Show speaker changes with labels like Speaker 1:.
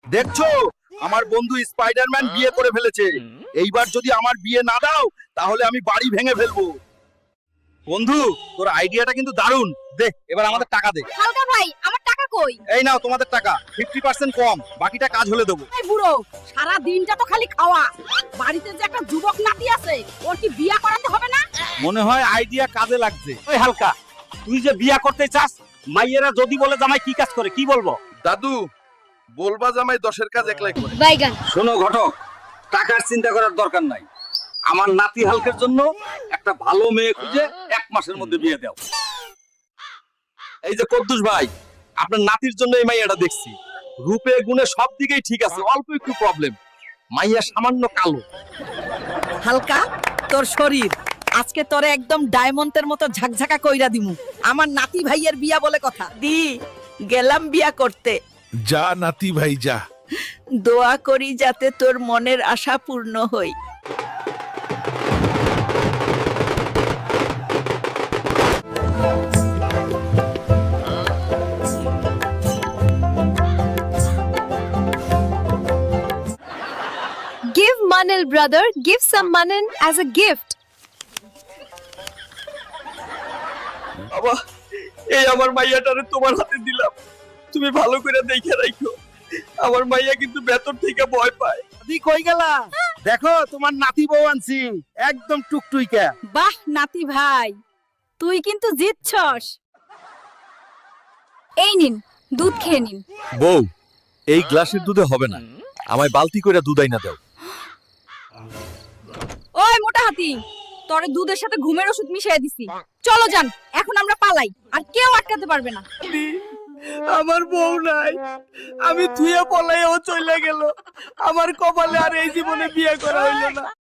Speaker 1: দেখছো আমার বন্ধু স্পাইডারম্যান বিয়ে করে ফেলেছে। এইবার যদি আমার বিয়ে না দাও তাহলে আমি বাড়ি ভেঙে ফেলবো। বন্ধু তোর আইডিয়াটা কিন্তু দারুণ। দে এবার আমাদের টাকা দে।
Speaker 2: হালকা ভাই, আমার টাকা কই?
Speaker 1: এই নাও তোমাদের টাকা, 50% কম, বাকিটা কাজ হলে দেবো।
Speaker 2: এই বুড়ো, সারা দিনটা তো খালি খাওয়া। বাড়িতে যে একটা যুবক নাতি আছে, ওর কি বিয়া করাতে হবে না?
Speaker 1: মনে হয় আইডিয়া কাজে লাগছে।
Speaker 3: ওই হালকা, তুই যে বিয়া করতে চাস, মাইয়েরা যদি বলে জামাই কি কাজ করে, কি বলবো?
Speaker 1: দাদু বলবা জামাই 10-এর কাজ একলাই করে।
Speaker 2: বাইগান।
Speaker 3: শোনো ঘটক, টাকার চিন্তা করার দরকার নাই। আমার নাতি হালকের জন্য একটা ভালো মেয়ে খুঁজে 1 মাসের মধ্যে বিয়ে দাও।
Speaker 1: এই যে কদ্দুস ভাই, আপনার নাতির জন্য এই মাইয়াটা দেখছি। রূপে গুণে সব দিকেই ঠিক আছে, অল্প একটু প্রবলেম, মাইয়া সামান্য কালো।
Speaker 4: হালকা, তোর শরীর আজকে তোরে একদম ডায়মন্ডের মতো ঝাকঝাকা কইরা দিমু। আমার নাতি ভাইয়ের বিয়া বলে কথা। দি গেলাম বিয়া করতে।
Speaker 5: যা নাতি ভাই যা।
Speaker 4: দোয়া করি যাতে তোর মনের আশা পূর্ণ হয়।
Speaker 2: Give Manil brother, give some Manin as a gift.
Speaker 3: বাবা, এই আমার মাইয়াটারে তোমার হাতে দিলাম, তুমি ভালো করে দেখে রাখো। আমার মাইয়া কিন্তু ভেতর থেকে ভয় পায়।
Speaker 1: দি কই গেলা? দেখো তোমার নাতি বউ আনছি, একদম টুকটুইকা।
Speaker 2: বাহ নাতি ভাই, তুই কিন্তু জিতছস। এই নিন, দুধ খেয়ে নিন।
Speaker 1: বউ, এই গ্লাসের দুধে হবে না, আমায় বালতি করে দুধ আইনা দাও।
Speaker 2: ওই মোটা হাতি, তোরে দুধের সাথে ঘুমের ওষুধ মিশিয়ে দিছি। চলো যান, এখন আমরা পালাই, আর কেউ আটকাতে পারবে না।
Speaker 4: আমার বউ নাই, আমি থুয়ে পলাইও চলে গেল। আমার কপালে আর এই জীবনে বিয়ে করা হইল না।